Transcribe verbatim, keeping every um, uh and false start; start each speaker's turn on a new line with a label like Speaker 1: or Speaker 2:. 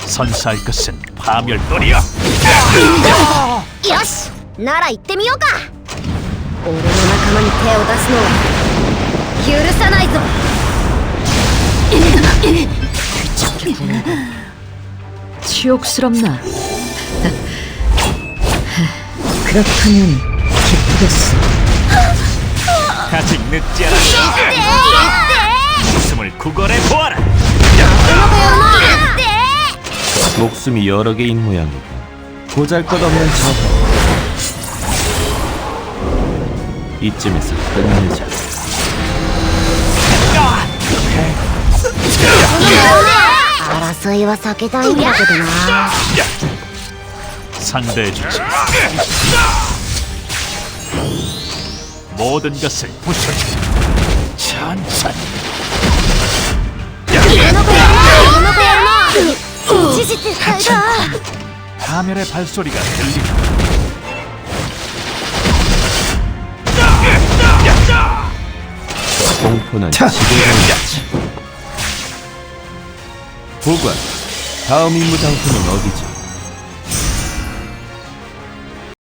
Speaker 1: 선사할 것은 파멸뿐이야.
Speaker 2: よし、なら行ってみようか。俺の仲間に手を出すのは許さないぞ。
Speaker 3: 치욕스럽나? 그렇다면 기쁘겠어.
Speaker 1: 아직 늦지 않았어. 목숨을 구걸해 보아라.
Speaker 4: 목숨이 여러 개인 모양이다. 보잘것없는 저거. 이쯤에서 끝내자.
Speaker 2: 争いは避けたいんだけどな。
Speaker 1: 상대해주지. 모든 것을 부숴주지. 천천히. 파멸의 발소리가 들린다.
Speaker 4: 공포는 지배자이지. 보관. 다음 임무 장소는 어디지?